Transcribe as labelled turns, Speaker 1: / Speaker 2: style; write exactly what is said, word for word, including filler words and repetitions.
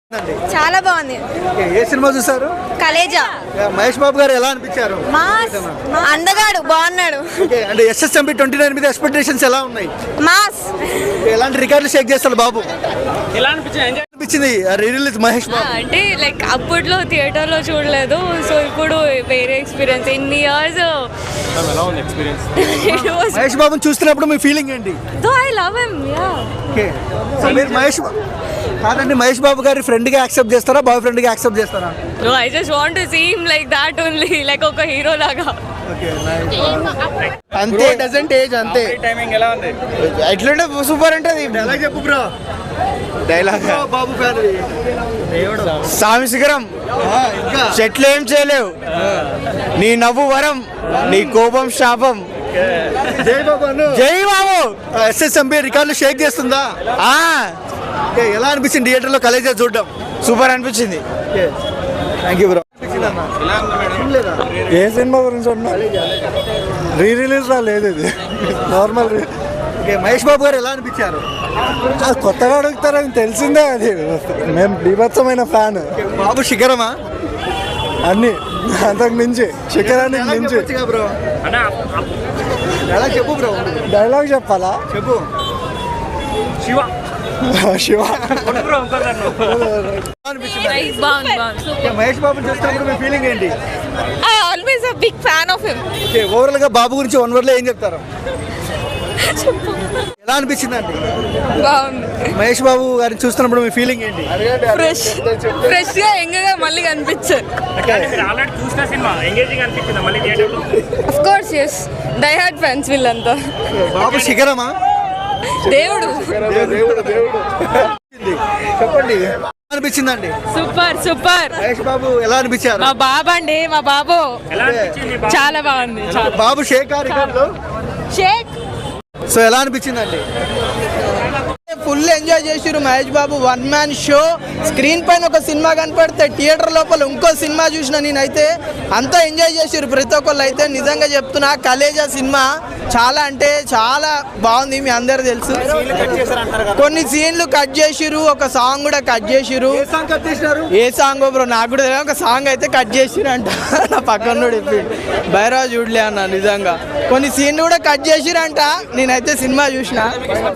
Speaker 1: చాలా బాగుంది.
Speaker 2: ఏ సినిమా చూసారు?
Speaker 1: కలేజా.
Speaker 2: మహేష్ బాబు గారు ఎలా అనిపించారు?
Speaker 1: మాస్ అందగాడు బాగున్నాడు.
Speaker 2: అంటే ఎస్ఎస్ఎంబి ట్వంటీ నైన్ మీద ఎక్స్పెక్టేషన్స్ ఎలా ఉన్నాయి?
Speaker 1: మాస్.
Speaker 2: ఎలాంటి రికార్డులు షేక్ చేస్తారు బాబు?
Speaker 3: ఎలా అనిపించింది?
Speaker 2: అనిపించింది రిలీజ్ మహేష్ బాబు
Speaker 4: అంటే లైక్ అప్పట్లో థియేటర్ లో చూడలేదు, సో ఇప్పుడు వేరే ఎక్స్పీరియన్స్. ఎన్ని ఇయర్స్
Speaker 2: మహేష్ బాబుని చూస్తున్నప్పుడు మీ ఫీలింగ్ ఏంటి?
Speaker 4: Though I love him. Yeah
Speaker 2: okay. So మీరు మహేష్ బా- కాదండి, మహేష్ బాబు గారి ఫ్రెండ్ గా యాక్సెప్ట్ చేస్తారా, బాయ్ ఫ్రెండ్ గా యాక్సెప్ట్ చేస్తారా?
Speaker 4: No, I just want to see him like that only, like ఒక హీరో లాగా.
Speaker 5: అంతే డజంట్ ఏజ్ అంతే.
Speaker 3: టైమింగ్ ఎలా ఉంది?
Speaker 5: ఎట్లుంటే సూపర్ ఉంటుంది.
Speaker 2: ఎలా చెప్పు బ్రో
Speaker 5: డైలాగ్
Speaker 2: బాబు ఫ్యాన్.
Speaker 5: స్వామి శిఖరం
Speaker 2: ఇంకా
Speaker 5: చెట్లు ఏం చేయలేవు, నీ నవ్వు వరం, నీ కోపం శాపం.
Speaker 2: జై బాబు అను.
Speaker 5: జై బాబు.
Speaker 2: ఎస్ఎస్ఎంబి రికార్డులు షేక్ చేస్తుందా?
Speaker 5: ఆ
Speaker 2: ఓకే. ఎలా అనిపించింది థియేటర్ లో కలేజా చూడడం?
Speaker 5: సూపర్ అనిపించింది.
Speaker 2: Thank you bro.
Speaker 6: ఏ సినిమా గురించి రీ రిలీజ్ లా లేదు, ఇది నార్మల్.
Speaker 2: ఓకే. మహేష్ బాబు గారు ఎలా అనిపించారు?
Speaker 6: అది కొత్తగా అడుగుతారని తెలిసిందే, అది మేము బీభత్సమైన ఫ్యాన్.
Speaker 2: బాబు శిఖరమా?
Speaker 6: అన్ని అంతకు మించి శిఖరానికి
Speaker 2: ఎలా
Speaker 6: మించి.
Speaker 2: చెప్పొచ్చుగా బ్రో? ఎలా చెప్పు బ్రో?
Speaker 6: డైలాగ్ చెప్పాలా?
Speaker 2: చెప్పు.
Speaker 3: శివ
Speaker 6: శివ
Speaker 2: అనిపించింది
Speaker 4: బాగుంది బాగుంది.
Speaker 2: ఓకే. మహేష్ బాబు చూస్తున్నప్పుడు మీ ఫీలింగ్ ఏంటి?
Speaker 4: I always a big fan of him.
Speaker 2: Okay. Overall గా బాబు గురించి వన్ వర్డ్ లో ఏం చెప్తారు? ఎలా అనిపించింది అండి
Speaker 4: బాగుంది.
Speaker 2: మహేష్ బాబు గారిని చూస్తున్నప్పుడు మీ ఫీలింగ్ ఏంటి?
Speaker 4: ఫ్రెష్ ఫ్రెష్ గా యంగ్ గా మళ్ళీ కనిపించారు.
Speaker 3: మీరు ఆల్రెడీ చూసిన సినిమా ఎంగేజింగ్ అనిపించిందా మళ్ళీ థియేటర్లో?
Speaker 4: Of course yes, die hard fans వీళ్ళంతా.
Speaker 2: బాబు శిఖరమా?
Speaker 4: దేవుడు.
Speaker 2: చెప్పండి ఎలా అనిపించిందండి?
Speaker 4: Super super.
Speaker 2: మహేష్ బాబు ఎలా అనిపించారు?
Speaker 4: మా బాబు అండి, మా బాబు
Speaker 3: ఎలా అనిపించింది?
Speaker 4: చాలా బాగుంది.
Speaker 2: బాబు షేక్ రికార్డులు.
Speaker 4: షేక్.
Speaker 2: సో ఎలా అనిపించిందండి?
Speaker 5: ఫుల్ ఎంజాయ్ చేసిరు Mahesh Babu. One man show. Screen పైన ఒక సినిమా కనపడితే థియేటర్ లోపల ఇంకో సినిమా చూసిన నేనైతే. అంతా ఎంజాయ్ చేసిరు ప్రతి ఒక్కళ్ళు. అయితే నిజంగా చెప్తున్నా, కలేజా సినిమా చాలా అంటే చాలా బాగుంది. మీ అందరు తెలుసు, కొన్ని సీన్లు కట్ చేసిరు, ఒక సాంగ్ కూడా కట్ చేసిరు.
Speaker 2: ఏ సాంగ్ కట్ చేసినారు?
Speaker 5: ఏ సాంగ్ బ్రో నాకు కూడా తెలియదు. ఒక సాంగ్ అయితే కట్ చేసిరు అంట. నా పక్కన చెప్పిండు, భైరవ చూడలే అన్న. నిజంగా కొన్ని సీన్లు కూడా కట్ చేసిరంట. నేనైతే సినిమా చూసిన.